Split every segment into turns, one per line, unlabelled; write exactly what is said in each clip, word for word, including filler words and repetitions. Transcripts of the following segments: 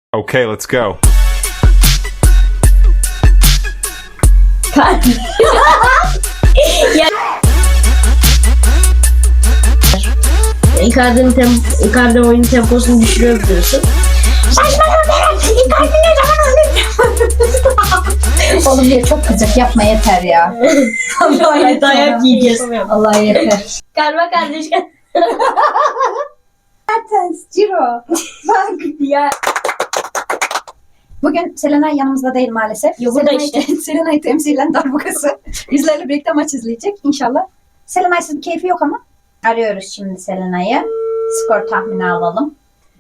Okay, let's go.
ya. Icardi'nin tem Icardi oyun temposunu düşürebiliyorsun.
Icardi ne zaman oynuyor? Oğlum ya çok kızacak, yapma yeter ya.
Vallahi dayak yiyeceğiz.
Allah yeter.
Karma kardeş.
Mertens, Ciro. Bak ya. Bugün Selenay yanımızda değil maalesef.
Yok, burada
Selenay,
işte.
Selenay temsilen darbukası. Bizlerle birlikte maç izleyecek inşallah. Selenay'sız bir keyfi yok ama. Arıyoruz şimdi Selenay'ı. Skor tahmini alalım.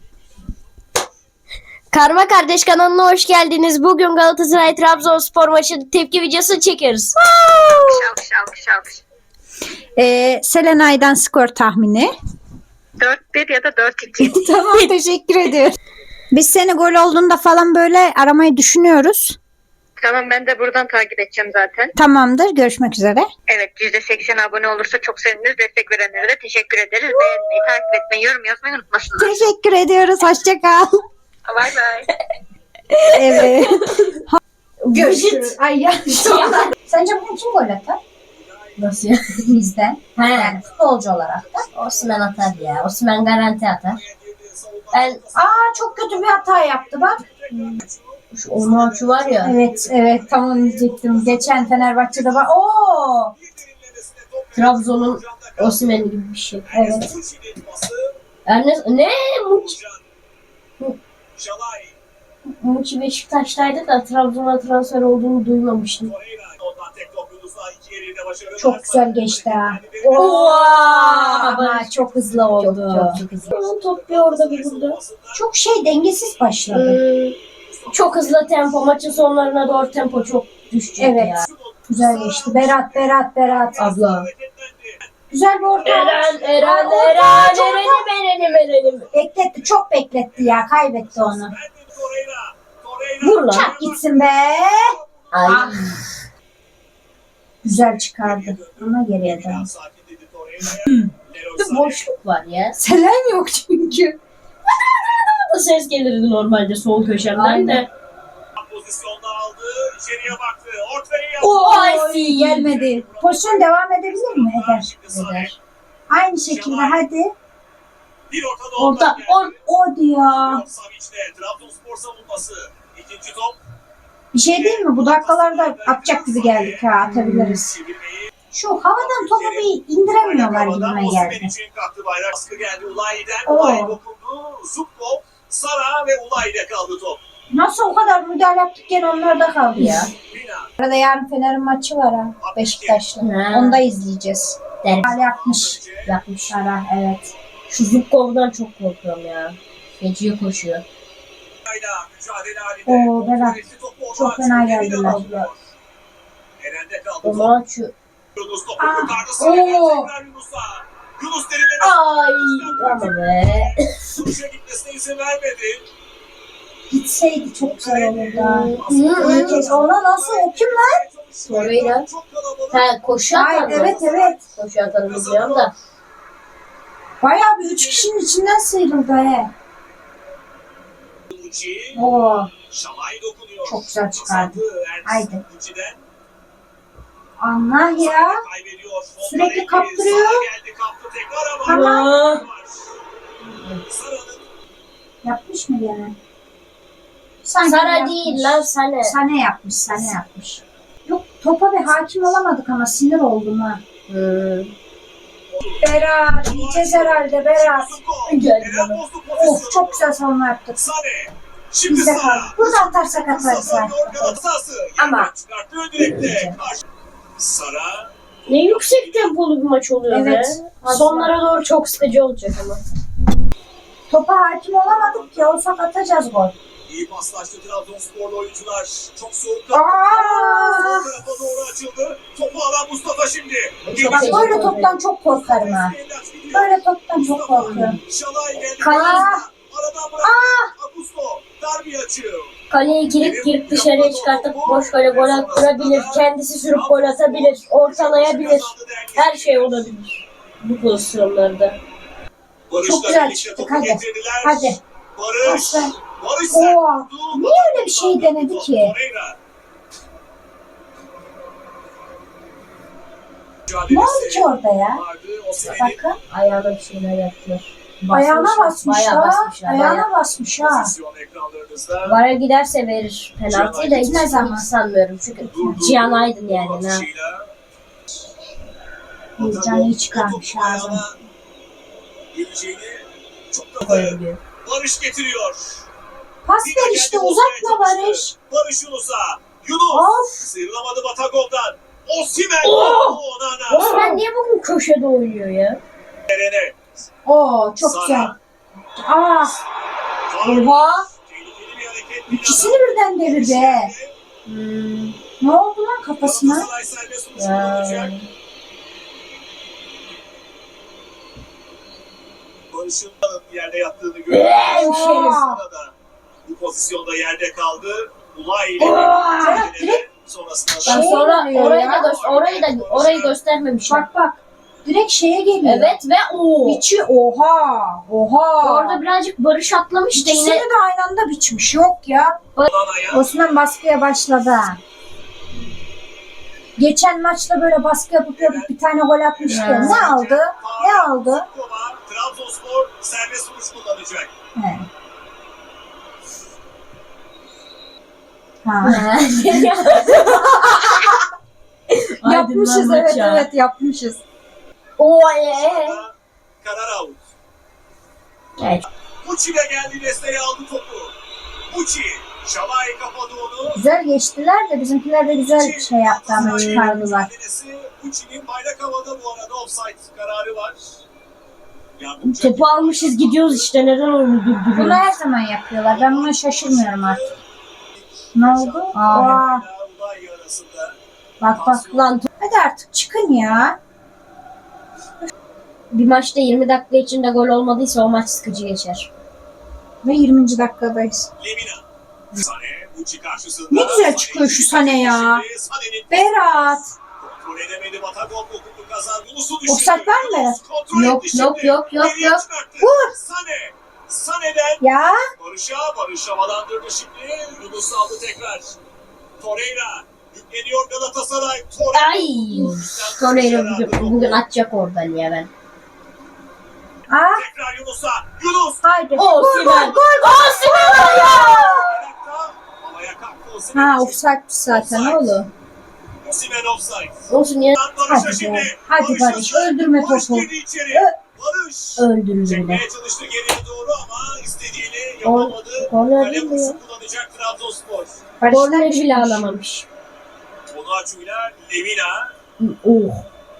Karma Kardeş kanalına hoş geldiniz. Bugün Galatasaray Trabzonspor maçı tepki videosu çekiyoruz.
Şalk şalk şalk.
Ee, Selenay'dan skor tahmini.
dört bir ya da dört iki.
Tamam, teşekkür ediyorum. Biz seni gol olduğunda falan böyle aramayı düşünüyoruz.
Tamam, ben de buradan takip edeceğim zaten.
Tamamdır. Görüşmek üzere.
Evet, yüzde seksen abone olursa çok seviniriz. Destek verenlere de teşekkür ederiz. Beğenmeyi, takip etmeyi, yorum yazmayı unutmasınlar.
Teşekkür ediyoruz. Hoşça kal.
Bay bay.
Evet.
Görüşürüz.
Ay ya. Sence bugün kim gol atar?
Nasıl ya?
Bizden.
He.
Yani futbolcu olarak da.
Osman atar ya. Osman garanti atar. Ben
Aa, çok kötü bir hata yaptı bak.
şu Onur şu var ya.
Evet, evet. Tam onu diyecektim. Geçen Fenerbahçe'de var. Oo!
Trabzon'un Osman gibi bir şey.
Evet.
Yani ne Muç Muçi Beşiktaş'taydı da Trabzon'a transfer olduğunu duymamıştım.
Çok güzel geçti ha.
Oo!
Ama çok hızlı oldu.
Çok, çok, çok hızlı. Top bir orada bir burada.
Çok şey dengesiz başladı.
Hmm, çok hızlı tempo. Maçın sonlarına doğru tempo çok düşecek
Evet.
ya.
Güzel geçti. Berat, Berat, Berat.
Abla.
Güzel bir orta.
Eren, Eren,
Aa, orta,
Eren,
orta.
Eren'im, Eren'im, Eren'im.
Bekletti. Çok bekletti ya. Kaybetti onu.
Vur lan.
Çak gitsin be.
Ay.
Ah. Güzel çıkardı. Ama geriye dön.
Bir boşluk var ya.
Selen yok çünkü.
Ses gelirdi normalde sol köşemden de.
Pozisyonda aldı, içeriye baktı, ortaya
Oo,
Ay.
gelmedi. Pozisyon devam edebilir mi? Eder.
Eder.
Aynı şekilde hadi.
Bir ortada
Orta, or
O diyor.
Savic'te Trabzonspor savunması. İkinci top.
Bir şey değil mi? Bu dakikalarda atacak gibi geldik ha. Atabiliriz.
Çevirmeyi.
Şu havadan topu bir indiremiyorlar gibime
Osimhen
geldi.
için kalktı bayrak. Baskı geldi Ulayi'den.
Oo.
Ulayi dokundu. Zubkov, Sara ve Ulayi'de kaldı top.
Nasıl o kadar müdahale yaptık gene onlarda kaldı ya.
Bina.
Arada yarın Fener'in maçı var ha. Beşiktaş'la.
Ha.
Onu da izleyeceğiz.
Der.
Hal yapmış.
Yapmış.
Ara evet.
Şu Zubkov'dan çok korkuyorum ya. Feciye koşuyor.
Hala mücadele halinde.
Oo, Berat.
Topu
Çok fena
ortaya
geldiler.
atıyor. Eren'de kaldı
O
top.
zaman şu...
Yunus topu
Ah.
kurtardı. Sarı'ya
Oo.
tekrar Yunus'a. Yunus derinlemesi.
Ay ama be.
Vuruşa gitmesine izin vermedi.
Gitseydi çok güzel olurdu ha.
Hı.
İyi kez. Ona nasıl? O kim lan?
Torreira.
Çok kalabalık.
Ha koşu
Hayır,
atar mı?
evet evet.
Koşu atarım biliyorum da.
Bayağı bir üç kişinin içinden sıyrıldı he.
Uçi.
Oo.
Şalay dokunuyor.
Çok güzel çıkardı.
Kazandı Ernst
Haydi.
Uçi'den.
Allah ya.
Kaybediyor.
Sürekli
Soldan
kaptırıyor.
Sara geldi, kaptı tekrar ama.
Tamam.
Sara'nın
Yapmış mı gene? Sanki
Sara
yapmış.
değil lan Sane.
Sane yapmış, Sane yapmış. Yok, topa bir hakim olamadık ama sinir oldum ha.
Hmm.
Berat, yiyeceğiz herhalde Berat.
Geldi
Eren
bana.
bozdu pozisyonu.
Of, çok güzel savunma yaptık.
Sane. Şimdi
Bizde
Sara.
kaldı. Burada atarsak atarız
Kazanıyor
zaten.
Galatasaray.
Ama-
Yerden çıkarttığı direkte. Karşı- Sara.
Ne yüksek tempolu bir maç oluyor
Evet.
be. Sonlara doğru çok sıkıcı olacak ama.
Topa hakim olamadık ki, olsak atacağız gol.
İyi paslaştı Trabzonsporlu oyuncular. Çok soğuk.
Aa!
Sol tarafa doğru açıldı. Topu alan Mustafa şimdi.
Çok
Bak
iyi.
böyle toptan çok korkarım ha. Böyle toptan çok korkuyorum.
Şalay geldi.
Kale-
Aradan bıraktı. Augusto. Darbi açıyor.
Kaleyi girip girip dışarıya çıkartıp boş kale gol attırabilir. Kendisi sürüp gol atabilir. Ortalayabilir. Her şey olabilir. Bu pozisyonlarda.
Barış'la
Çok güzel
birlikte
çıktık,
topu
hadi.
getirdiler.
Hadi.
Barış.
Başla.
Barış
Oo,
sert vurdu.
niye öyle bir şey denedi ki?
Torreira.
Ne oldu ki orada ya?
Vardı. Osimhen'in
Bakın.
Ayağına bir şeyler yaptılar.
Ayağına
Basmışlar,
basmış
bayağı
ha.
basmışlar, bayağı.
Ayağına basmış ha.
pozisyon ekranlarınızda.
Vara giderse verir penaltıyı da hiç
Gitmez ama.
sanmıyorum çünkü
Durdu.
Cihan Aydın yani. Ha.
Atışıyla.
Bir canı iyi çıkarmış
Topu
ağzına.
ayağına geleceğini çok da
Koyabiliyor.
Barış getiriyor.
Pas
Bir de
ver işte,
kendi bozmaya
uzatma
çalıştı.
Barış.
Barış Yunus'a. Yunus.
Of.
Sıyrılamadı Batagol'dan. Osimhen.
Oh!
Onana.
Osman niye bugün köşede oynuyor ya?
Eren'e.
Oo, çok
Sara.
güzel. Aa,
Faul.
oha.
Tehlikeli bir hareket.
İkisini birden devirdi he.
Hmm.
Ne oldu lan kafasına?
Galatasaray serbest vuruş
Ya.
kullanacak. Barış'ın yerde yattığını gördük.
Hemşerim.
Sırada bu pozisyonda yerde kaldı. Ulay ile
Serhat, direkt
sonrasında
Şey
Ben sonra
oluyor
orayı
ya.
da göster orayı da orayı göstermemişler.
Bak bak. Direkt şeye geliyor.
Evet ve o.
Biçi oha. Oha.
Orada birazcık Barış atlamış da
İkisini
yine
de aynı anda biçmiş. Yok ya.
Onana'ya.
Osman baskıya başladı. ha. Geçen maçta böyle baskı yapıp yapıp bir tane gol atmıştı.
Ya.
Ne aldı? Ne aldı?
Kova, Trabzonspor serbest vuruş kullanacak.
He. Ha. Yapmışız, evet evet yapmışız.
O e.
Sonra karar out.
Evet.
Muçi de geldi, desteği aldı topu. Muçi, Şalay kapadı onu.
Güzel geçtiler de bizimkiler de güzel bir şey yaptı ama çıkardılar.
Muçi'nin bayrak havada bu arada offside kararı var. Yardımcı
Topu almışız gidiyoruz işte neden oyunu
Bunu
durduruyoruz?
her zaman yapıyorlar. Ben buna şaşırmıyorum artık. Ne oldu? Aa,
Ulay arasında.
bak bak.
Lan
Hadi artık çıkın ya.
bir maçta yirmi dakika içinde gol olmadıysa o maç sıkıcı geçer.
Ve yirminci dakikadayız.
Lemina. Sane, Muçi karşısında.
Ne güzel çıkıyor şu Sane ya.
Sane'nin
Berat.
kontrol edemedi. Batagol topu kazandı. Yunus'u düşürdü.
Offside var mı Berat?
Kontrol
Yok,
etti
yok,
şimdi.
yok, yok,
Geriye
yok.
çıkarttı.
Vur.
Sane. Sane'den
Ya.
Barış'a, Barış havalandırdı şimdi. Yunus aldı tekrar. Torreira yükleniyor Galatasaray. Torreira.
Ay. Torreira bugün, bugün atacak oradan ya ben.
Aa.
Tekrar Yunus'a. Yunus.
Haydi.
Osimhen. Osimhen ya.
Ayakta. Havaya kalktı Osimhen.
Ha offside zaten oğlum.
Osimhen offside.
Olsun ya.
Barış'a
Hadi
şimdi.
be. Hadi Barış,
hızlı.
öldürme
Barış
topu.
girdi içeri.
Ö-
Barış.
Öldürüldü.
Çekmeye çalıştı geriye doğru ama istediğini yapamadı.
Korner
Kale
değil mi
vuruşu
ya?
kullanacak Trabzonspor.
Korneri bile alamamış.
Onaçu'yla Lemina.
Oh.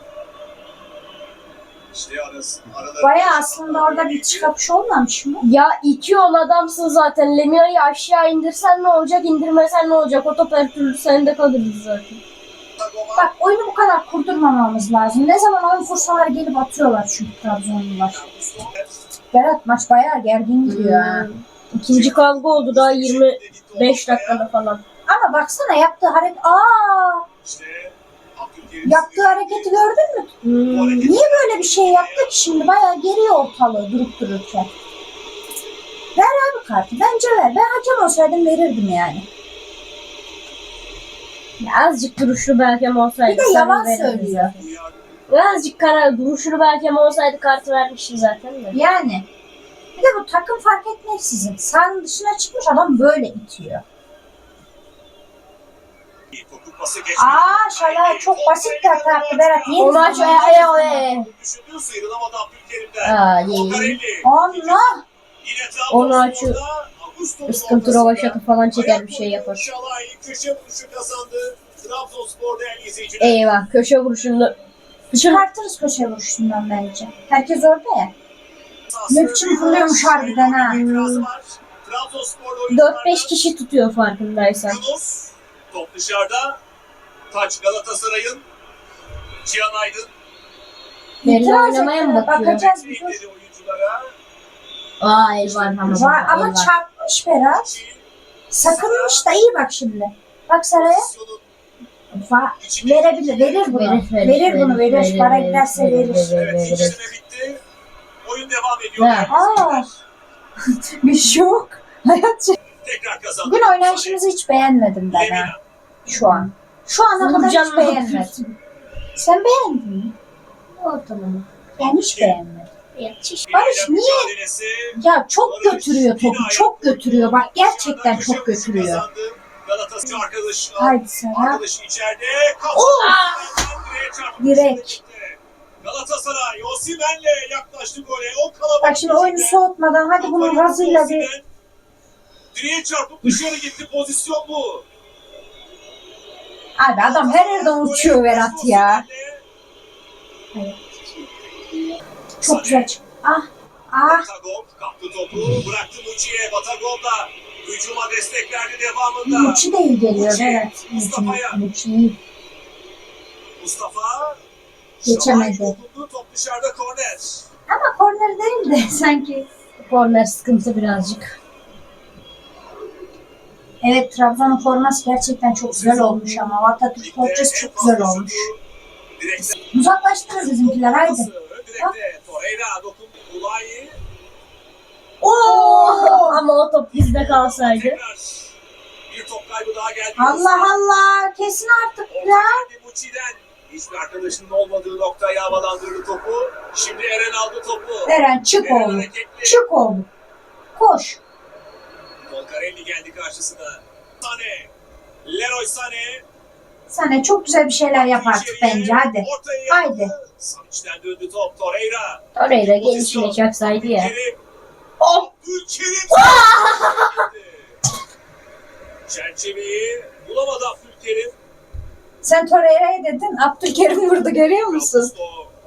İşte arası. Arada
Baya aslında orada bir çıkapış olmamış mı?
Ya iki yol adamsın zaten. Lemira'yı aşağı indirsen ne olacak, indirmesen ne olacak? O top her türlü sende kalırdı zaten.
Bak oyunu bu kadar kurdurmamamız lazım. Ne zaman oyun fırsatları gelip atıyorlar çünkü Trabzonlular. Berat maç bayağı gergin gidiyor ha.
Hmm. İkinci kavga oldu daha yirmi beş dakikada falan.
Ama baksana yaptığı hareket. Aa!
İşte Abdülkerim
Yaptığı hareketi gördün mü?
Hmm.
Niye böyle bir şey yaptı ki şimdi? Bayağı geriye ortalığı durup dururken. Ver abi kartı. Bence ver. Ben hakem olsaydım verirdim yani.
Ya azıcık duruşlu bir hakem olsaydı.
Bir de
sana
yalan
verirdi
söylüyor.
zaten. Ya azıcık karar duruşlu bir hakem olsaydı kartı vermişti zaten de.
Yani. Bir de bu takım fark etmeksizin. Sahanın dışına çıkmış adam böyle itiyor.
topu pası geçmedi.
Aa Şalay çok basit bir hata yaptı Berat. Niye
O maç
bizim-
ay ay ay.
Düşündüğü sıyrılamadı Abdülkerim'den.
Aa iyi.
Okarelli.
Allah!
Yine
Onu
Trabzonspor'da Ağustos'un
Sıkıntı
ortasında
rovaşatı falan çeker bir
ayak
şey yapar.
Şalay köşe vuruşu kazandı. Trabzonspor değerli izleyiciler.
Eyvah köşe vuruşunda.
Çıkartırız köşe vuruşundan bence. Herkes orada ya.
Sahası
Ne biçim fırlıyormuş harbiden ha.
İtirazı var. Trabzonspor'da
dört beş
oyunculardan
kişi tutuyor farkındaysan.
Yunus top dışarıda. Taç Galatasaray'ın. Cihan Aydın.
Yerine
İtiraz
oynamaya mı
ettiler,
bakıyor?
bakacağız bir dur.
Bekledi oyunculara.
Aa el var ama.
Var ama
el var.
çarpmış Berat.
Muçi,
Sakınmış da iyi bak şimdi. Bak Saray'a.
pozisyonun
Va
içinde-
verebilir, verir bunu.
Verir,
Verir,
verir,
bunu, verir.
verir,
Para
verir,
giderse
verir,
verir.
verir.
Evet, ilk süre bitti. Oyun devam ediyor.
Ne?
değerli
Aa.
izleyiciler.
Bir şey yok. Hayat şey-
Tekrar kazandı.
Bugün oynayışımızı hiç beğenmedim ben ha.
Lemina.
Şu an. Şu ana kadar
Nurcan
hiç
ne
beğenmedim.
yapıyorsun?
Sen beğendin mi?
Ortalama.
Ben hiç beğenmedim.
Yetiş.
Barış niye?
Mücadelesi.
Ya çok
Barış
götürüyor
yine
topu.
ayak
Çok
vurdu.
götürüyor. Bak gerçekten
Dışarıdan
çok
köşe vuruşu
götürüyor.
kazandı. Galatasaray arkadaş.
Haydi Serap.
Arkadaşı içeride.
Oo!
Direğe çarptı.
Direk.
Galatasaray Osimhen'le yaklaştı gole. O kalabalık
Bak şimdi oyunu
içinde.
soğutmadan hadi bunun
Kafayı
gazıyla
Osimhen.
bir...
Direğe çarpıp dışarı gitti. Pozisyon bu.
Abi adam her yerden uçuyor Berat ya. Çok güzel çıktı. Ah. Ah.
Batagov kaptı topu. Bıraktı Muçi'ye. Batagov da hücuma destek verdi devamında.
Muçi de iyi geliyor
Muçi,
Berat.
Mustafa'ya.
Muçi iyi.
Mustafa.
Geçemedi.
Şahay dokundu. Top dışarıda korner.
Ama korner değil de sanki.
Korner sıkıntı birazcık.
Evet, Trabzon'un forması gerçekten çok güzel olmuş ama Atatürk forçası çok güzel olmuş.
Direkten
Uzaklaştırır bizimkiler haydi.
Direkte Torreira dokundu. Ulayi.
Oo!
Ama o top bizde kalsaydı.
Tekrar bir top kaybı daha geldi.
Allah Allah, kesin artık ya.
Muçi'den hiçbir arkadaşının olmadığı noktaya havalandırdı topu. Şimdi Eren aldı topu.
Eren çık
Eren
oğlum.
hareketli.
Çık oğlum. Koş.
Volcarelli geldi karşısına. Sane. Leroy Sane.
Sana çok güzel bir şeyler yap artık
İçeriye,
bence hadi.
ortaya
Haydi.
yaptı. Savic'den döndü top. Torreira.
Torreira gelişine çaksaydı ya.
Kerim.
Oh!
Abdülkerim. Çerçeveyi bulamadı Abdülkerim.
Sen Torreira'ya dedin, Abdülkerim vurdu görüyor musun?
Augusto.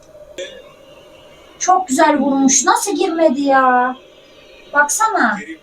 Çok güzel vurmuş. Nasıl girmedi ya? Baksana.
Kerim.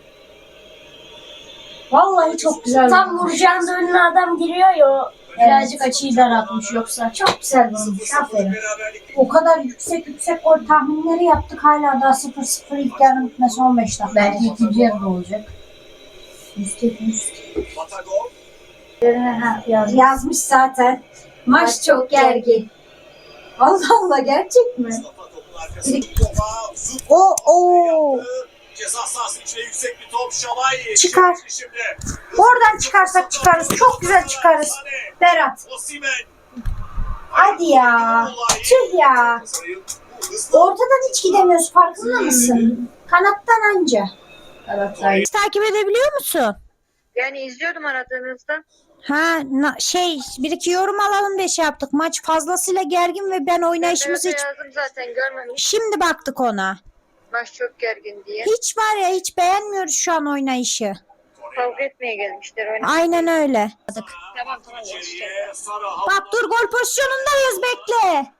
Vallahi çok güzel
Tam
vurmuş.
vuracağında önüne adam giriyor ya. o Birazcık açıyı daraltmış yoksa.
Çok güzel vurmuş. Aferin.
Beraberlik.
O kadar yüksek yüksek gol tahminleri yaptık. Hala daha sıfır sıfır ilk yarının bitmesi on beş dakika.
Belki ikinci yarıda olacak.
Yüksek yüksek.
Batagov.
Ha, yaz- yazmış zaten. Maç çok gergin. Allah Allah, gerçek mi?
Mustafa topun arkasında. Topa. Zut.
O o.
Yaptı. Ceza sahası içine yüksek bir top. Şalay.
Çıkar.
Şimdi.
Oradan çıkarsak çıkarız. Çok güzel çıkarız. Berat.
Osimhen.
Hadi ya. Tüh ya. Ortadan hiç gidemiyoruz, farkında mısın? Kanattan anca.
Galatasaray.
Takip edebiliyor musun?
Yani izliyordum aradığınızda.
Ha na- şey bir iki yorum alalım diye şey yaptık. Maç fazlasıyla gergin ve ben oynayışımız
Evet,
hiç...
yazdım zaten görmemiş.
Şimdi baktık ona.
Maç çok gergin diye.
Hiç var ya hiç beğenmiyoruz şu an oynayışı.
Kavga etmeye gelmişler. Oyna.
Aynen öyle.
Tamam tamam geçti.
Bak dur, gol pozisyonundayız, bekle.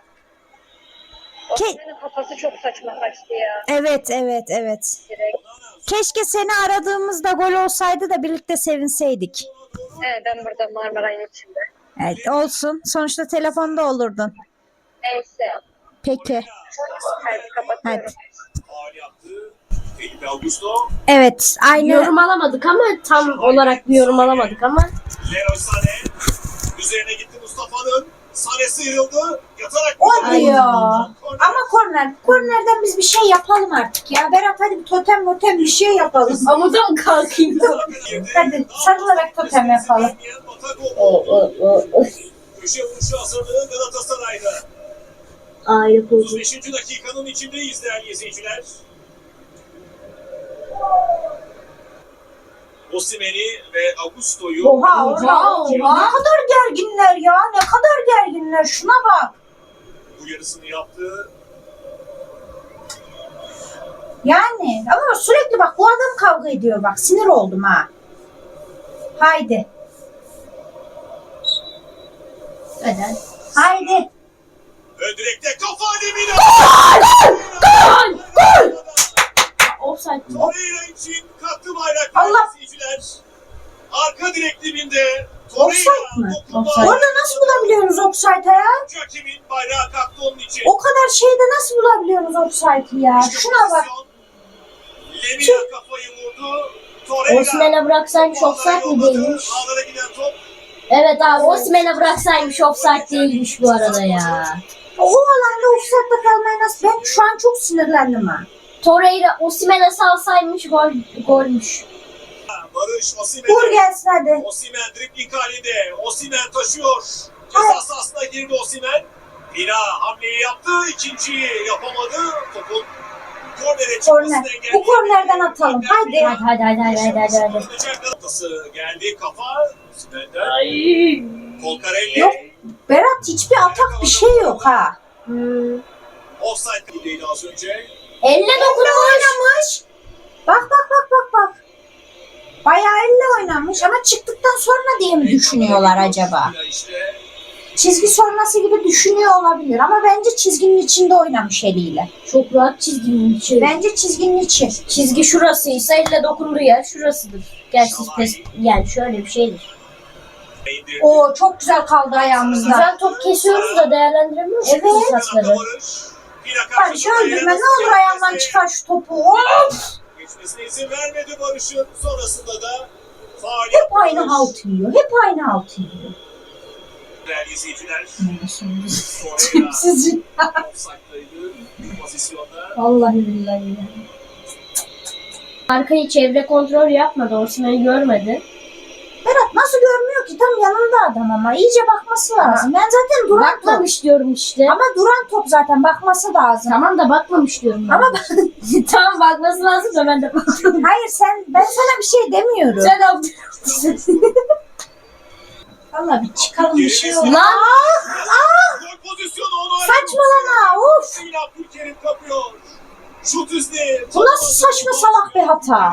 Ke-
Osman'ın kafası çok saçma kaçtı ya.
evet evet evet.
Direkt.
Keşke seni aradığımızda gol olsaydı da birlikte sevinseydik.
Evet, ben burada Marmaray'ın içinde.
Evet olsun. Sonuçta telefonda olurdun.
Neyse.
Peki.
Hadi kapatıyorum.
Hadi.
Faul yaptı. Felipe Augusto.
Evet aynı.
Yorum alamadık ama tam olarak bir yorum alamadık ama.
Leroy Sane. Üzerine gitti Mustafa'nın. Sane sıyrıldı. Yatarak.
O diyor.
Korner.
Ama korner. Kornerden biz bir şey yapalım artık ya. Berat hadi bir totem motem bir şey yapalım.
Amuda mı kalkayım?
Hadi sarılarak totem yapalım.
O, o, o, o.
Köşe vuruşu hazırlığı Galatasaray'da.
Aile
otuz
kurdu.
beşinci dakikanın içindeyiz değerli izleyiciler. Osimhen'i ve Augusto'yu
Oha oha oha.
Oha.
Ne kadar gerginler ya. Ne kadar gerginler. Şuna bak.
bu yarısını yaptı.
Yani ama sürekli bak bu adam kavga ediyor bak. Sinir oldum ha. Haydi.
Neden?
Haydi.
Ön direkte kafa Lemina.
Gol! Gol! Offside.
Torreira için kalktı bayrak
Allah!
izleyiciler. Arka direk dibinde
Offside
Torreira
mi?
dokunma.
Offside.
Orada nasıl bulabiliyorsunuz offside'ı ya?
Hakemin bayrağı kalktı onun için.
O kadar şeyde nasıl bulabiliyorsunuz offside'ı ya?
İşte
Şuna bak.
pozisyon. Lemina kafayı vurdu. Torreira.
Osimhen'e bıraksaymış offside mi değilmiş?
Ağlara giden top.
Evet abi Osimhen'e bıraksaymış offside değilmiş bu arada ya.
O alanda offside'da kalmaya nasıl? Ben şu an çok sinirlendim ha.
Torreira Osimhen'e salsaymış gol, golmüş.
Barış
Vur
Osimhen'e.
gelsin hadi.
Osimhen dribling halinde. Osimhen taşıyor. Ceza sahasına girdi Osimhen. Pina hamleyi yaptı. İkinciyi yapamadı. Topun kornere
Korner.
çıkmasını engelledi.
Bu kornerden atalım. Haydi.
Hadi hadi hadi hadi hadi hadi. hadi.
Noktası geldi kafa. Osimhen'den.
Ay.
Kolkarelli.
Yok. Berat hiçbir atak bir şey yok ha.
Hmm.
Offside gibiydi az önce.
Elle dokunuyor.
Oynamış. Bak bak bak bak bak. Bayağı elle oynamış ama çıktıktan sonra diye mi düşünüyorlar acaba?
İşte
Çizgi sonrası gibi düşünüyor olabilir ama bence çizginin içinde oynamış eliyle.
Çok rahat çizginin içi.
Bence çizginin içi.
Çizgi şurasıysa elle dokunduğu yer şurasıdır. Gerçi pes, yani şöyle bir şeydir.
indirdi.
Oo çok güzel kaldı ayağımızda.
Güzel top kesiyoruz da değerlendiremiyoruz.
Evet.
bu fırsatları.
Barış öldürme ne olur ayağımdan çıkar şu topu. Of!
Geçmesine izin vermedi Barış'ın. Sonrasında da faul
Hep
yaptı
aynı
Barış.
halt yiyor. Hep aynı halt yiyor.
Değerli izleyiciler. Torreira
Tipsizce.
offside'daydı bu pozisyonda.
Vallahi billahi. Arkayı çevre kontrol yapmadı. Osimhen'i görmedi.
Berat nasıl görmüyor ki? Tam yanında adam ama. İyice bakması lazım. Ben zaten duran top.
Bakmamış diyorum işte.
Ama duran top zaten bakması lazım.
Tamam da bakmamış diyorum. ben.
Ama
tamam bakması lazım da ben de bakmadım.
hayır sen ben sana bir şey demiyorum.
Sen yaptın.
Valla bir çıkalım bir şey yok.
Lan!
Gol pozisyonu onu
Saçmalama of.
Yine Abdülkerim kapıyor. Şut üstü.
Bu nasıl saçma salak bir hata?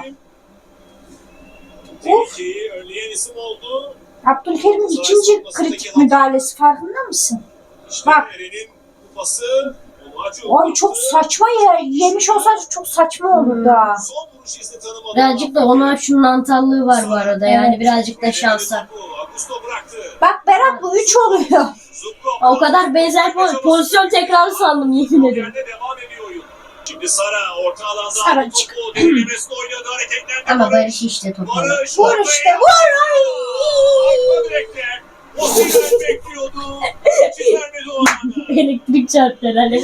Tehlikeyi önleyen isim oldu.
Abdülkerim'in ikinci kritik müdahalesi farkında mısın?
İşte
Bak.
Eren'in kupası. Omacu
Ay çok saçma ya. Yemiş olsaydı çok saçma olurdu ha.
Son vuruş izni tanımadı.
Birazcık da ona şunun antallığı var bu arada. Yani
Evet.
birazcık da şansa.
Augusto bıraktı.
Bak Berat bu üç oluyor.
Zubkov.
O kadar benzer po- pozisyon tekrarı sandım yemin ederim.
Yerde devam ediyor oyun. Şimdi Sara orta alanda
Sara
aldı
çık.
topu. Derinlemesine oynadı hareketlendi.
Ama Barış işte topu.
Barış.
Vur işte vur. Ay.
Arka direkte. Osimhen bekliyordu. Hiç vermedi o anda.
Elektrik çarptı herhalde.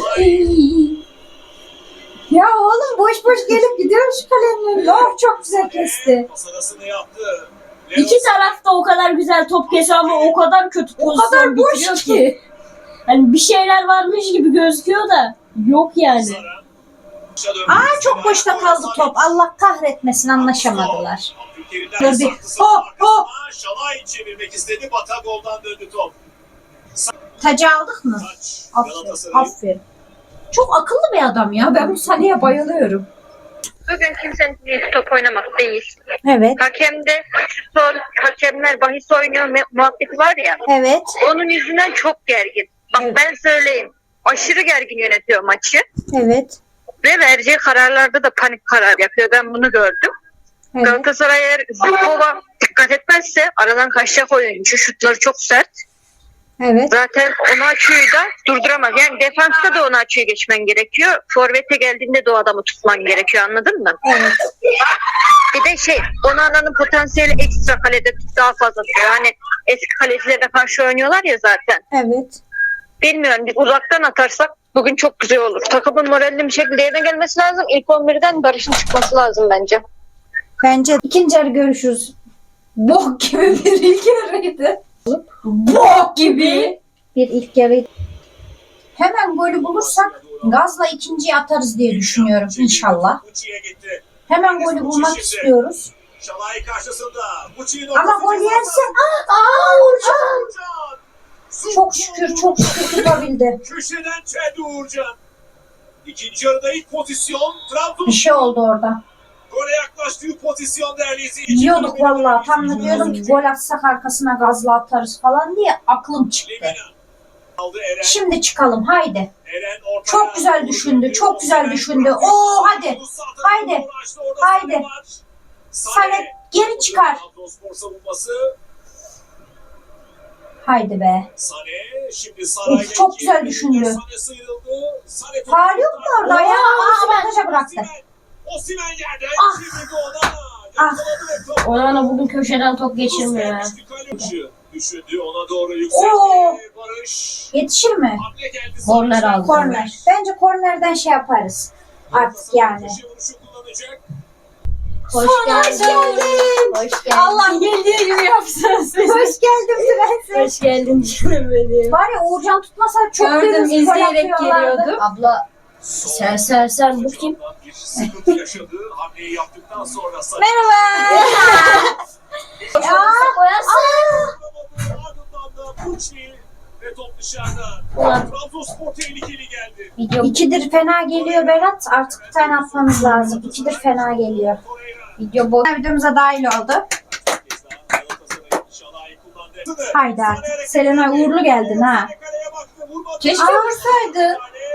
Ya oğlum boş boş gelip gidiyorum şu kalenin önüne. Oh çok güzel kesti.
Pas arasını yaptı.
İki taraf da o kadar güzel top kesiyor ama o kadar kötü
O
pozisyon
kadar boş
bitiriyor
ki.
ki. Hani bir şeyler varmış gibi gözüküyor da yok yani.
Aa çok boşta kaldı top. Allah kahretmesin anlaşamadılar.
Abdülkerim'den
Dur bir.
sarkısı
Hop, hop.
arkasına Şalay çevirmek istedi. Batagol'dan döndü top.
Tacı aldık mı?
Taç.
Aferin.
Galatasaray.
Aferin. Çok akıllı bir adam ya. Ben bu Salih'e bayılıyorum.
Bugün kimsenin niyeti top oynamak değil.
Evet.
Hakemde sol hakemler bahis oynuyor me- muhabbeti var ya.
Evet.
Onun yüzünden çok gergin. Bak
Evet.
ben söyleyeyim. Aşırı gergin yönetiyor maçı.
Evet.
Ve vereceği kararlarda da panik karar yapıyor. Ben bunu gördüm.
Evet.
Galatasaray eğer Zubkova dikkat etmezse aradan kaçacak oyuncu. Şutları çok sert.
Evet.
Zaten Onaçu'yu da durduramaz. Yani defansta da Onaçu'yu geçmen gerekiyor. Forvet'e geldiğinde de o adamı tutman gerekiyor, anladın mı?
Evet.
Bir de şey, Onana'nın potansiyeli ekstra kalede daha fazla tutuyor. Hani eski kalecilerine karşı oynuyorlar ya zaten.
Evet.
Bilmiyorum, biz uzaktan atarsak bugün çok güzel olur. Takımın moralli bir şekilde yerine gelmesi lazım. İlk on birden Barış'ın çıkması lazım bence.
Bence ikinci yarı görüşürüz. Bok gibi bir ilk yarıydı. Bok gibi bir ilk yarı. Hemen golü bulursak gazla ikinciyi atarız diye düşünüyorum inşallah.
Muçi'ye gitti.
Hemen golü bulmak istiyoruz.
Şalay karşısında. Muçi'nin
Ama
ortası
gol
ceza
yerse
sahası.
aa Uğurcan.
Uğurcan.
Çok şükür çok şükür tutabildi.
Köşeden çeldi Uğurcan. İkinci yarıda ilk pozisyon. Trabzon.
Bir şey oldu orada.
Gole yaklaştığı pozisyon değerli izleyiciler.
Diyorduk vallahi tam da diyordum ki gol atsak arkasına gazla atarız falan diye aklım çıktı.
Lemina. Aldı Eren.
Şimdi çıkalım haydi.
Eren ortaya.
Çok güzel düşündü, çok güzel düşündü. Oo, hadi, haydi, haydi. Sanet geri çıkar.
Trabzonspor savunması.
Haydi be.
Sane şimdi Saray'la
Of, çok
iki-
güzel düşündü.
Sane sıyrıldı. Sane topu
Faul yok mu orada? Ayağı
Osimhen.
avantaja bıraktı.
Osimhen. Osimhen yerden
Ah.
çevirdi ona.
Ah.
Yakaladı ve top.
Onana bugün köşeden top geçirmiyor ya.
Gelmiş bir kaleci. Düşündü ona doğru yükseldi.
Oo.
Barış.
Yetişir mi?
Hamle geldi.
Korner
Sarıç'tan.
aldı.
Korner. Bence kornerden şey yaparız. artık yani.
Köşe vuruşu kullanacak.
Hoş
geldin.
Hoş geldin.
Allah bildiği gibi yapsın sizi. Hoş geldin prenses.
Hoş geldin canım benim.
Var ya Uğurcan tutmasa çok
Gördüm,
dümdüz
izleyerek
gol atıyorlardı.
geliyordum.
Abla sen sen sen bu kim?
Bir sıkıntı yaşadı. Hamleyi yaptıktan sonra saç.
Ya. Koyarsın.
Ardından da Pucci ve top dışarıda.
Ulan.
Trabzonspor tehlikeli geldi.
Video
İkidir fena geliyor Berat. Artık bir tane atmamız lazım. İkidir fena geliyor.
Torreira.
video bu.
Videomuza dahil oldu. Haydi artık. Selenay uğurlu geldin ha.
Keşke vursaydın.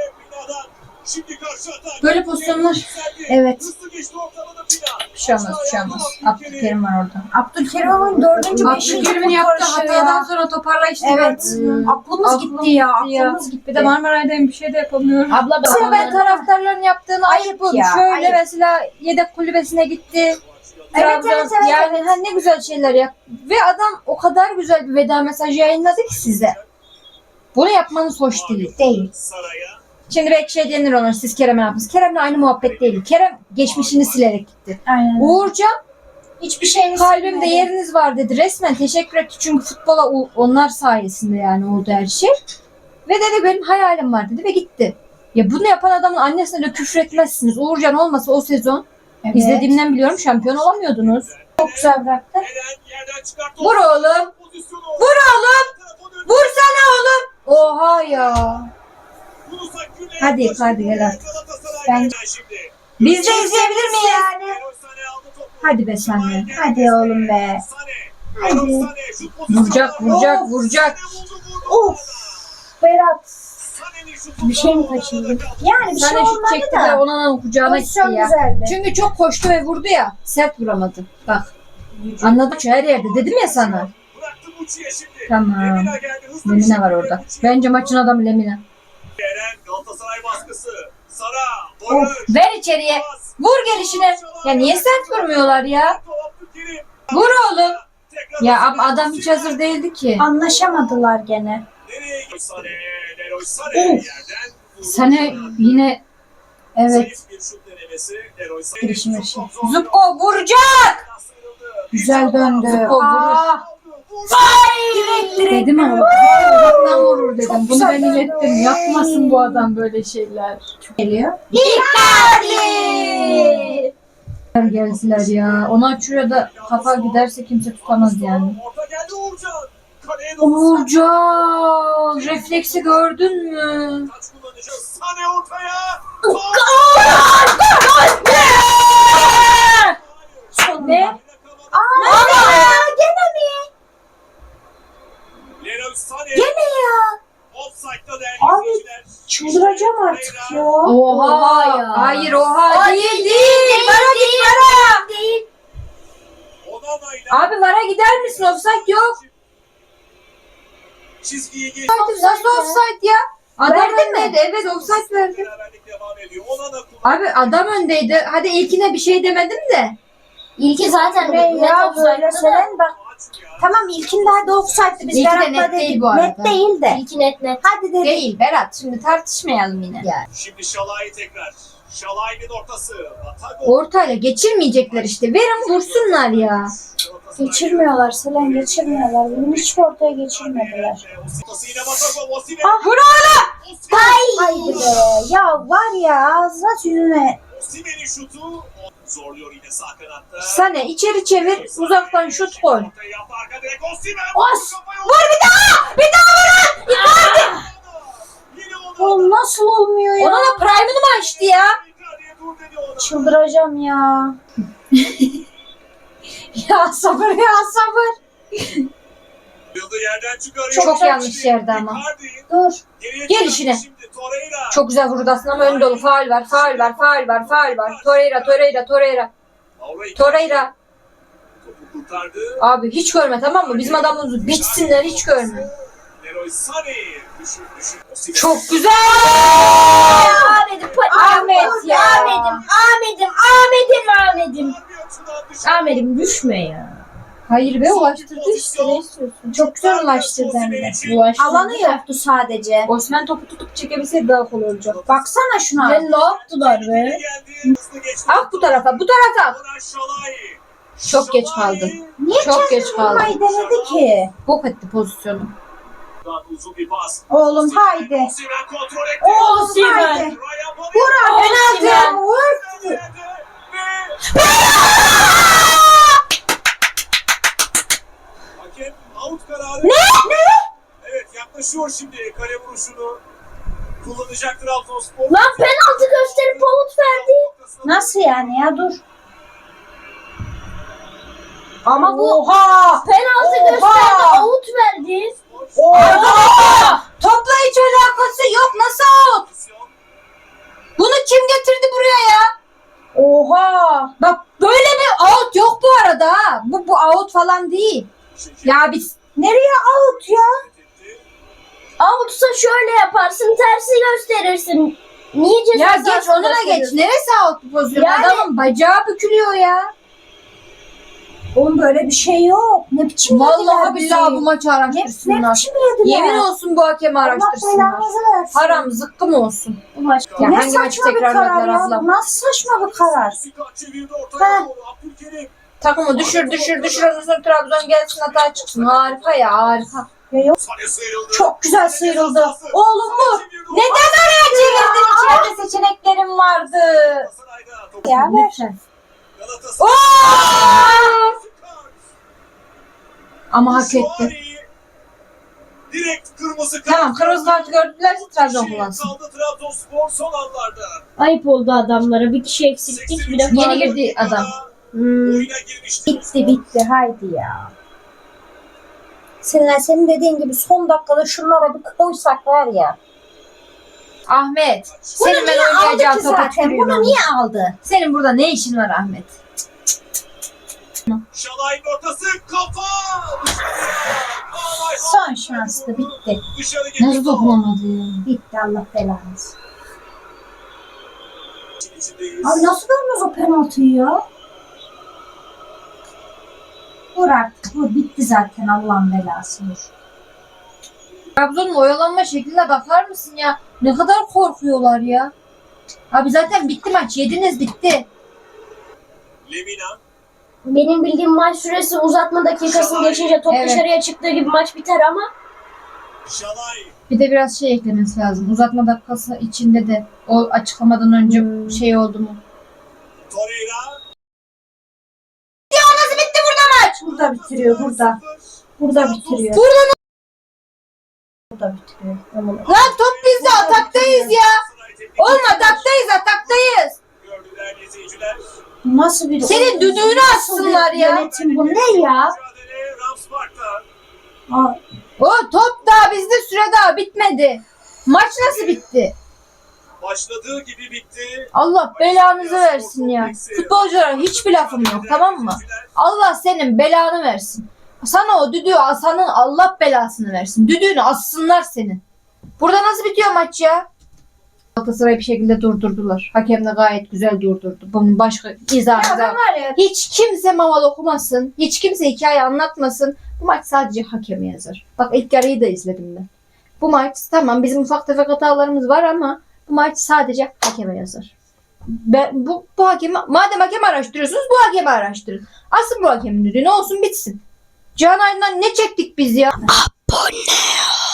Şimdi karşı atak.
Böyle pozisyonlar.
Evet.
Hızlı geçti ortalada Pina.
Bir şey olmaz, bir şey olmaz. Abdülkerim var orada.
Abdülkerim'in dördüncü, beşinci
Abdülkerim'in
gol
yaptığı
karışıyor
hatadan
ya.
sonra toparlayışını
Evet.
gördün mü?
Aklımız
Aklım
gitti ya.
gitti ya.
Aklımız gitti.
Bir de Marmaray'dayım, bir şey de yapamıyorum.
Abla
Mesela ben taraftarların yaptığını
Ayıp
ayıp buldum.
ya,
Şöyle
ayıp.
mesela yedek kulübesine gitti.
Evet,
Trabzon-
evet, evet,
Yani hani ne güzel şeyler yap. Ve adam o kadar güzel bir veda mesajı yayınladı ki size. Bunu yapmanız hoş değil.
Değil.
Saraya.
Şimdi belki şey denir ona, siz Kerem'e ne yaptınız? Kerem'le aynı muhabbet değil. Kerem geçmişini silerek gitti.
Aynen.
Uğurcan
Hiçbir şeyiniz
kalbimde yeriniz var dedi. Resmen teşekkür etti. Çünkü futbola o- onlar sayesinde yani oldu her şey. Ve dedi benim hayalim var dedi ve gitti. Ya bunu yapan adamın annesine de küfür etmezsiniz. Uğurcan olmasa o sezon
Evet.
izlediğimden biliyorum şampiyon olamıyordunuz.
Çok güzel bıraktı.
Eren yerden çıkarttı.
Vur oğlum.
Pozisyonu.
Vur oğlum. Vursana oğlum. Oha ya.
Yunus Akgün'le
Hadi,
yaklaşık
hadi gel
olarak
artık.
Galatasaray
Ben-
yeniden şimdi.
Biz de izleyebilir miyiz?
Yani.
Leroy Sané aldı topu.
Hadi be sen de.
Hadi oğlum be.
Sané. Leroy Sané şut pozisyonu.
Vuracak, vuracak,
Of.
vuracak.
Sané vurdu, vurdu.
Of. Berat.
Sané'nin şutu
Bir şey mi
da
kaçırdı?
orada kaldı.
Yani bir
Sen
şey
de şut
olmadı
çekti de
da.
Onana'nın kucağına gitti
Pozisyon
ya.
güzeldi.
Çünkü çok koştu ve vurdu ya. Sert vuramadı. Bak. Anladık şu her yerde. Dedim ya sana.
Bıraktı Muçi'ye şimdi.
Tamam.
Lemina geldi, hızlı bir
Lemina var
şekilde
orada.
Muçi'ye.
Bence maçın adamı Lemina.
Eren Galatasaray baskısı. Sara.
Of,
Barış.
ver içeriye.
Pas.
Vur gelişine. Ya niye sert vurmuyorlar ya?
Abdülkerim.
Vur oğlum.
Tekrar
Ya
Osimhen.
ab- adam hiç hazır değildi ki.
Anlaşamadılar gene.
Nereye gidiyor? Sané. Leroy Sané yerden vurdu.
Sana yine evet.
Zayıf bir şut denemesi. Leroy Sané.
Girişim
Çok
girişim.
zor.
Zubko vuracak.
Sıyrıldı.
Güzel döndü.
Zubko vurur.
Aa,
Direkt direkt.
Dedim ama uzaktan vurur dedim.
Çok
Bunu
güzel
ben
döndü.
ilettim. Yapmasın bu adam böyle şeyler.
geliyor.
Geldiler ya. Ona açıyor da kafa giderse kimse tutamaz yani.
Orta geldi Uğurcan. Kaleye doğru
Uğurcan. Refleksi gördün mü?
taç kullanacağız. Sané ortaya.
Ne?
Leroy Sané.
Gene ya.
Offside'da değerli
Abi,
izleyiciler.
Çıldıracağım artık ya.
Oha.
Oha ya.
Hayır oha
Aa,
değil
değil,
değil. Vara git vara.
Onana ile
Abi vara gider misin? Offside yok.
çizgiye geçti.
Nasıl offside ya? Adam
Verdin mi?
öndeydi. Evet offside verdi.
Beraberlik devam ediyor. Onana kullanıyor.
Abi adam öndeydi. Hadi ilkine bir şey demedim de.
İlki zaten
Ve
net
ya böyle
offside'dı da.
söylen bak. Tamam ilkinde hadi offside'dı biz
İlki de
Berat'la
net
dedik.
değil bu arada.
Net değil de.
İlki net net.
Hadi dedik.
Değil Berat. Şimdi tartışmayalım yine.
Şimdi Şalay tekrar. Şalay'ın ortası. Batago.
Ortayla geçirmeyecekler işte. Verin vursunlar ya.
Geçirmiyorlar Selen geçirmiyorlar. Bunu hiç ortaya geçirmediler.
Ortası yine Batago. Osimhen.
Ah,
Vur oğlum.
Ay be. Ya var ya ağzına yüzüne.
Osimhen'in şutu. Zorluyor yine sağ kanatta.
Sana içeri çevir. Uzaktan şut koy.
Ortaya yaptı, arka direk Osimhen.
Os!
Vur bir daha! Bir daha vurun! Yine ona.
Oğlum nasıl olmuyor ya?
Ona da prime'ını mı açtı ya?
Icardi'ye dur dedi ona.
Çıldıracağım ya. ya sabır ya sabır.
Yıldı yerden çıkarıyor.
Çok yanlış yerde ama.
Icardi
Dur.
geriye
Gel
çıkardı
işine.
şimdi, Torreira.
Çok güzel vurdu aslında ama ön dolu. Faul var, faul var, faul var, faul var. Torreira, Torreira, Torreira.
Mauro Icardi
Torreira.
topu kurtardı.
Abi hiç görme tamam mı? Bizim adamımızı bitsinler hiç görme.
Leroy Sané düşün düşün. Osimhen.
Çok güzel.
Ahmet'im.
Ahmet ya.
Ahmet'im. Ahmet'im. Ahmet'im. Ahmet'im.
Bir açıdan dışarı.
Ahmet'im düşme ya.
Hayır be, ulaştırdı işte, ne istiyorsun?
Çok güzel ulaştırdı hem de.
Ulaştırdı.
Alanı yoktu sadece.
Osman topu tutup çekebilseydi daha kolay olacak.
Baksana şuna.
Ne ne yaptılar be?
Ah, bu tarafa, bu tarafa. Çok geç kaldı.
Niye
Çok geç kaldı.
vurmayı denedi ki?
Bok etti pozisyonu.
Uzun bir pas.
Oğlum haydi.
Osimhen kontrol etti.
Oğlum
Osimhen.
haydi.
Ryan Babel-
Vur abi.
Osimhen.
Vur.
Ve- Hakem out kararı. Ne? Ne? Evet, yaklaşıyor şimdi kale vuruşunu. Kullanacak Trabzonspor.
Lan penaltı gösterip out verdi.
Nasıl yani ya, dur.
Ama bu
Oha.
penaltı
Oha.
gösterdi out verdi.
Oha.
Topla hiç alakası yok. Nasıl out? Bunu kim getirdi buraya ya?
Oha.
Bak böyle bir out yok bu arada. ha. Bu bu out falan değil. Ya biz
Nereye out ya?
Out'sa şöyle yaparsın, tersi gösterirsin. Niye ceza
ya geç
sahası
onu da geç.
gösteriyorsun?
Neresi out bu pozisyon?
Yani-
Adamın bacağı bükülüyor ya.
Oğlum böyle bir şey yok. Ne biçim
Vallahi
yediler bizi?
billahi bu maçı
Ne, ne
araştırsınlar.
biçim yediler?
Yemin olsun bu hakemi
Allah
araştırsınlar.
belanızı versin.
Haram zıkkım olsun.
Bu maç.
Ya
ne
hangi maçı
saçma bir
tekrarladılar
karar ya.
ablam?
Bu nasıl saçma bir karar?
Çevirdi
Ha.
ortaya doğru. Abdülkerim.
Takımı düşür düşür düşür ondan sonra Trabzon gelsin hata çıksın. Harika ya, harika.
Ya yok.
Sane sıyrıldı.
Çok güzel sıyrıldı. Oğlum bu.
Neden oraya çevirdin? İçeride seçeneklerim vardı.
Galatasaray'da topu.
Ya ver.
Lütfen.
Galatasaray.
Ama hak etti.
Şuari. Direkt kırmızı kart.
Tamam, kırmızı kartı gördülerse Trabzon kullansın.
Kaldı Trabzonspor son anlarda.
Ayıp oldu adamlara. Bir kişi eksiklik bir de
Yeni
faul.
girdi adam.
Hmm.
Oyuna girmişti.
Bitti bitti haydi ya. Seninle senin dediğin gibi son dakikada şunlara bir koysak var ya.
Ahmet,
Bunu
senin ben
niye aldı
oynayacağım
ki
topa
zaten?
tükürüyorum.
Bunu niye aldı?
Senin burada ne işin var Ahmet?
Şalay'ın ortası kafa. Dışarıya.
Son şanstı, bitti.
Dışarı gitti.
Nasıl dokunamadı ya?
Bitti Allah belanızı.
İçindeyiz.
Abi nasıl görmüyoruz o penaltıyı ya? Vur artık vur, bitti zaten Allah'ın belası vur.
Trabzon'un oyalanma şekline bakar mısın ya? Ne kadar korkuyorlar ya. Abi zaten bitti maç. Yediniz, bitti.
Lemina.
Benim bildiğim maç süresi uzatma dakikasını geçince top
Evet.
dışarıya çıktığı gibi maç biter ama
Şalay.
Bir de biraz şey eklemesi lazım. Uzatma dakikası içinde de o açıklamadan önce
Hmm.
şey oldu mu?
Torreira.
Burada bitiriyor burada. Burada bitiriyor.
Burada
Burada bitiriyor.
Lan top bizde, ataktayız ya. Oğlum ataktayız, ataktayız.
Gördüler izleyiciler.
Nasıl bir
Senin düdüğünü assınlar ya.
Yönetim bu ne ya?
Mücadele Ramspark'ta.
Aa,
O top daha bizde, süre daha bitmedi. Maç nasıl bitti?
Başladığı gibi bitti.
Allah belanızı versin ya. Futbolculara hiçbir lafım yok, tamam mı? Allah senin belanı versin. Sana o düdüğü asanın Allah belasını versin. Düdüğünü assınlar senin. Burada nasıl bitiyor maç ya? Galatasaray'ı bir şekilde durdurdular. Hakem de gayet güzel durdurdu. Bunun başka izahı
ya ben
da.
var ya.
Hiç kimse maval okumasın. Hiç kimse hikaye anlatmasın. Bu maç sadece hakeme yazar. Bak ilk yarıyı da izledim ben. Bu maç tamam, bizim ufak tefek hatalarımız var ama bu maç sadece hakeme yazar. Ben, bu, bu hakemi, madem hakem araştırıyorsunuz bu hakemi araştırın. Asıl bu hakemin düdüğü ne olsun bitsin. Can Aydın'dan ne çektik biz ya? Abone